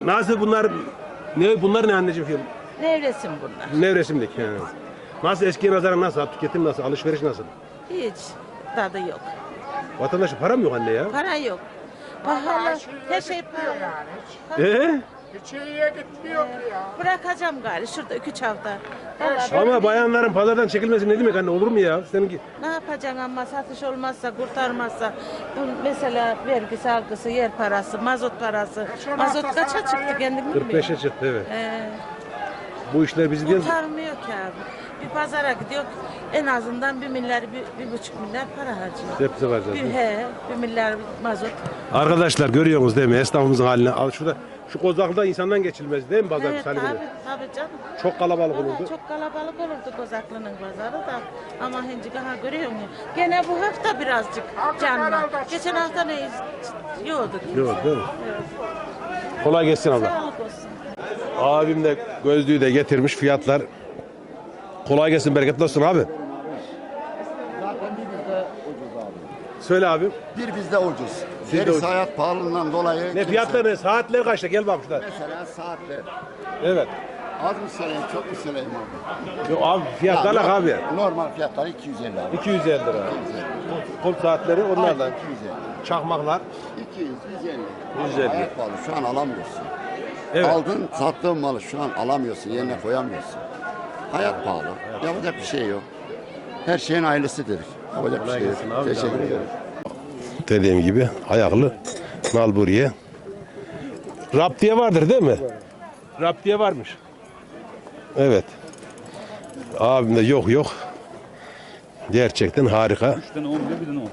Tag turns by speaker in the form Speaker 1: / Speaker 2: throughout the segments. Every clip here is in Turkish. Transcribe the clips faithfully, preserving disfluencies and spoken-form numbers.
Speaker 1: Nasıl bunlar? Ne bunlar ne anneciğim film?
Speaker 2: Nevresim bunlar.
Speaker 1: Nevresimdeki. Yani. Nasıl eskiye nazaran nasıl? Tüketim nasıl? Alışveriş nasıl?
Speaker 2: Hiç tadı yok.
Speaker 1: Vatandaşın para mı yok anne ya?
Speaker 2: Para yok. Pahalı. Her şey pahalı.
Speaker 1: Ee?
Speaker 3: Hiç iyiye gitmiyor ki ya.
Speaker 2: Bırakacağım gari şurada iki üç hafta. Vallahi
Speaker 1: Ama
Speaker 2: ben-
Speaker 1: bayanların pazardan çekilmesi ne demek anne? Olur mu ya? Seninki
Speaker 2: Ne yapacaksın ama satış olmazsa, kurtarmazsa. Bu mesela vergisi, algısı, yer parası, mazot parası. Mazot kaça çıktı kendin
Speaker 1: kırk beşe çıktı evet.
Speaker 2: Ee,
Speaker 1: Bu işler bizi değil.
Speaker 2: kurtarmıyor ki abi. Bir pazara gidiyor en azından bir milyar, bir, bir buçuk milyar para harcıyor.
Speaker 1: Hepsi var zaten.
Speaker 2: Bir, he, bir milyar mazot.
Speaker 1: Arkadaşlar görüyorsunuz değil mi? Esnafımızın halini. Al şurada. Şu kozaklıda insandan geçilmez değil mi pazar
Speaker 2: Evet,
Speaker 1: salı
Speaker 2: tabii,
Speaker 1: günü?
Speaker 2: tabii canım.
Speaker 1: Çok kalabalık
Speaker 2: Valla
Speaker 1: olurdu.
Speaker 2: çok kalabalık olurdu Kozaklı'nın pazarı da. Ama şimdi daha görüyor musun? Gene bu hafta birazcık canlı. Geçen hafta ne yoktu.
Speaker 1: Yok değil mi? Kolay gelsin abla.
Speaker 2: Sağlık olsun.
Speaker 1: Abim de gözlüğü de getirmiş fiyatlar. Kolay gelsin, bereketli olsun abi.
Speaker 4: Zaten bir bizde ucuz abi.
Speaker 1: Söyle abim.
Speaker 4: Bir bizde ucuz.
Speaker 1: Sizde
Speaker 4: Gerisi
Speaker 1: ucuz.
Speaker 4: hayat pahalılığından dolayı.
Speaker 1: Ne
Speaker 4: kimse-
Speaker 1: fiyatlar ne? Saatler kaçta? Gel bak şurada.
Speaker 4: Mesela saatler.
Speaker 1: Evet.
Speaker 4: Az mı söyleyeyim, çok mu söyleyeyim abi?
Speaker 1: Yok abi fiyatlar
Speaker 4: Ha,
Speaker 1: abi.
Speaker 4: Normal fiyatları iki yüz elli abi.
Speaker 1: iki yüz elli lira.
Speaker 4: iki yüz elli.
Speaker 1: Kol saatleri onlardan.
Speaker 4: iki yüz elli.
Speaker 1: Çakmaklar.
Speaker 4: iki yüz, yüz elli.
Speaker 1: yüz elli.
Speaker 4: Hayat pahalı. Şu an alamıyorsun.
Speaker 1: Evet.
Speaker 4: Aldın, sattığın malı şu an alamıyorsun, yerine koyamıyorsun. Hayat pahalı. Yapacak bir şey yok. Her şeyin ailesidir. Yapacak bir şey yok.
Speaker 1: gelsin abi,
Speaker 4: Teşekkür
Speaker 1: abi.
Speaker 4: ederim.
Speaker 1: Dediğim gibi ayaklı nalburiye. Raptiye vardır değil mi? Raptiye varmış. Evet. Abim de yok yok. Gerçekten harika.
Speaker 5: Üçten on bir, birden on.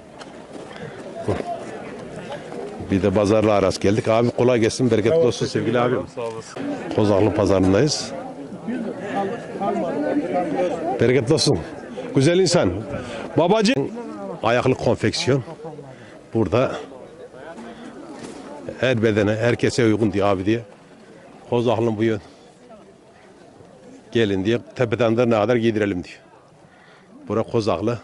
Speaker 1: Bir de pazarla aras geldik. Abi kolay gelsin, bereketli olsun sevgili abim.
Speaker 5: Sağ olasın.
Speaker 1: Kozaklı pazarındayız. Bereketli olsun. Güzel insan. Babacı ayaklı konfeksiyon. Burada her bedene, herkese uygun diye abi diye. Kozaklı'nın bu yön. Gelin diye tepeden de ne kadar giydirelim diyor. Bura Kozaklı.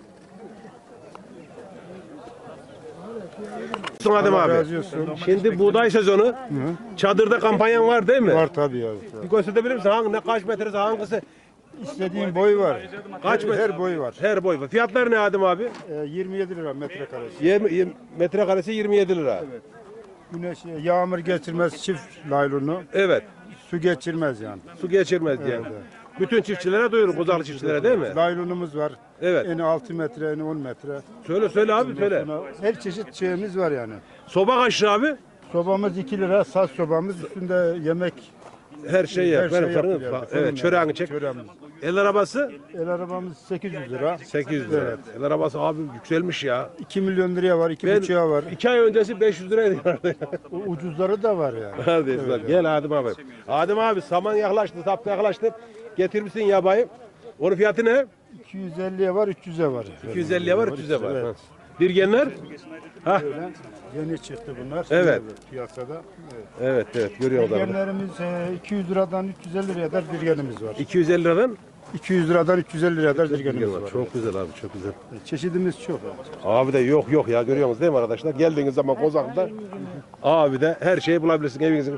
Speaker 1: Adem abi. Şimdi buğday sezonu. Çadırda kampanyan var değil mi?
Speaker 6: Var tabii ya.
Speaker 1: Bir gösterebilir misin? Hangi, ne kaç metresi hangisi?
Speaker 6: İstediğin boy var.
Speaker 1: Kaç
Speaker 6: her,
Speaker 1: metre?
Speaker 6: her boy var.
Speaker 1: Her boy var. Fiyatları ne Adem abi?
Speaker 6: Ee, yirmi yedi lira metrekaresi.
Speaker 1: yirmi, yirmi metrekaresi yirmi yedi lira.
Speaker 6: Güneş yağmur geçirmez çift laylonu.
Speaker 1: Evet.
Speaker 6: Su geçirmez yani.
Speaker 1: Su geçirmez diye.
Speaker 6: Evet, evet.
Speaker 1: Bütün çiftçilere duyurun, Kozaklı çiftçilere değil mi?
Speaker 6: Laylonumuz var.
Speaker 1: Evet.
Speaker 6: Eni altı metre, eni on metre.
Speaker 1: Söyle söyle abi söyle.
Speaker 6: Sonra her çeşit şeyimiz var yani.
Speaker 1: Soba kaç lira abi?
Speaker 6: Sobamız iki lira, saz sobamız üstünde yemek.
Speaker 1: Her şey
Speaker 6: Her
Speaker 1: yap.
Speaker 6: şey
Speaker 1: Benim fırını.
Speaker 6: yapılıyor.
Speaker 1: Evet,
Speaker 6: Fırın
Speaker 1: çöreğini
Speaker 6: yani,
Speaker 1: çek.
Speaker 6: çöreğimiz.
Speaker 1: El arabası
Speaker 6: El arabamız sekiz yüz lira.
Speaker 1: sekiz yüz lira.
Speaker 6: Evet.
Speaker 1: El arabası abi yükselmiş ya.
Speaker 6: iki milyon liraya var, iki
Speaker 1: Ben
Speaker 6: buçuğa var.
Speaker 1: iki ay öncesi beş yüz liraydı.
Speaker 6: U- Ucuzları da var yani.
Speaker 1: Hadi
Speaker 6: Evet,
Speaker 1: gel Adem abi. Adem abi saman yaklaştı, sap yaklaştı. Getirmişsin yabayı. Onun fiyatı ne?
Speaker 6: iki yüz elliye var, üç yüze var.
Speaker 1: iki yüz elliye var, üç yüze var.
Speaker 6: Evet.
Speaker 1: Ha. Dirgenler? Ha.
Speaker 6: Öyle. Yeni çıktı bunlar.
Speaker 1: Evet.
Speaker 6: Piyasada. Evet.
Speaker 1: Evet evet görüyorlar.
Speaker 6: Dirgenlerimiz e, iki yüz liradan üç yüz elli liraya kadar dirgenimiz var.
Speaker 1: iki yüz elli liradan
Speaker 6: iki yüz liradan üç yüz elli liraya kadar dirgenimiz
Speaker 1: dirgen var.
Speaker 6: var.
Speaker 1: Çok güzel abi çok güzel.
Speaker 6: Çeşidimiz çok.
Speaker 1: Abi de yok yok ya görüyorsunuz değil mi arkadaşlar? Geldiğiniz zaman Kozaklı'da abi de her şeyi bulabilirsin evinizin.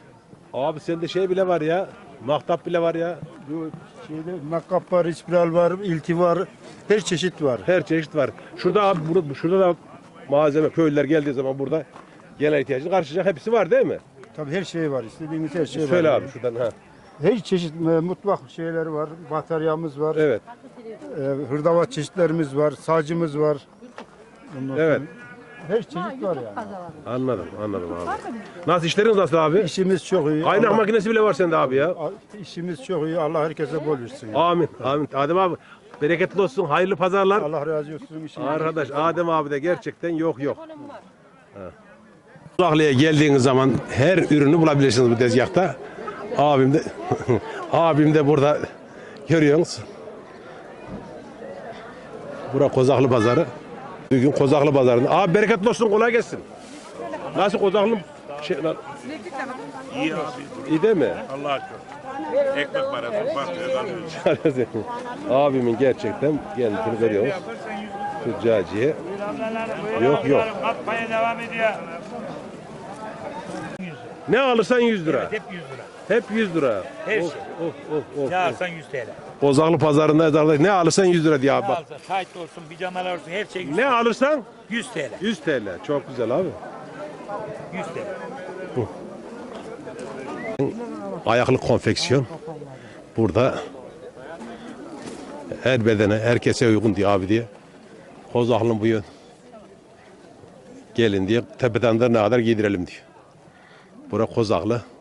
Speaker 1: Abi sende şey bile var ya. Mahtap bile var ya.
Speaker 6: Bu şeyde nakap var, ispiral var, ilti var. Her çeşit var.
Speaker 1: Her çeşit var. Şurada abi burada, şurada da malzeme köylüler geldiği zaman burada gelen ihtiyacını karşılayacak hepsi var değil mi?
Speaker 6: Tabii her şey var. İstediğimiz her şey
Speaker 1: Söyle
Speaker 6: var.
Speaker 1: abi şuradan ha.
Speaker 6: Her çeşit e, mutfak şeyleri var. Bataryamız var.
Speaker 1: Evet.
Speaker 6: E, hırdavat çeşitlerimiz var. Sacımız var. Ondan
Speaker 1: Evet.
Speaker 6: sonra her çeşit var yani.
Speaker 1: Anladım anladım abi. Nasıl işleriniz nasıl abi?
Speaker 6: İşimiz çok iyi.
Speaker 1: Kaynak
Speaker 6: Allah-
Speaker 1: makinesi bile var sende abi ya.
Speaker 6: İşimiz çok iyi. Allah herkese bol versin. yani.
Speaker 1: Amin. Amin. Adem abi bereketli olsun. Hayırlı pazarlar.
Speaker 6: Allah razı olsun. İşiniz-
Speaker 1: Arkadaş Adem abi de gerçekten yok yok. Kozaklı'ya geldiğiniz zaman her ürünü bulabilirsiniz bu tezgahta. Abim de abim de burada görüyorsunuz. Bura Kozaklı pazarı. Bugün Kozaklı pazarında. Abi bereketli olsun kolay gelsin. Nasıl Kozaklı şey lan?
Speaker 5: İyi abi.
Speaker 1: İyi değil mi?
Speaker 5: Allah'a şükür. Ekmek parası bakıyor.
Speaker 1: Abimin gerçekten kendisini görüyoruz. Tüccaciye. Yok yok.
Speaker 5: Atmaya devam ediyor.
Speaker 1: Ne alırsan yüz lira.
Speaker 7: Hep yüz lira.
Speaker 1: Hep yüz lira.
Speaker 7: Her
Speaker 1: of,
Speaker 7: şey.
Speaker 1: Of of of.
Speaker 7: Ne
Speaker 1: of.
Speaker 7: alsan yüz T L.
Speaker 1: Kozaklı pazarında ezarda ne alırsan yüz lira diye abi
Speaker 7: Ne
Speaker 1: bak.
Speaker 7: alsan tayt olsun, pijamalar olsun her şey yüz,
Speaker 1: Ne alırsan
Speaker 7: yüz T L.
Speaker 1: yüz T L. Çok güzel abi.
Speaker 7: yüz T L.
Speaker 1: Ayaklı konfeksiyon. Burada her bedene, herkese uygun diye abi diye. Kozaklı bu yön. Gelin diye tepeden de ne kadar giydirelim diyor. Bura Kozaklı.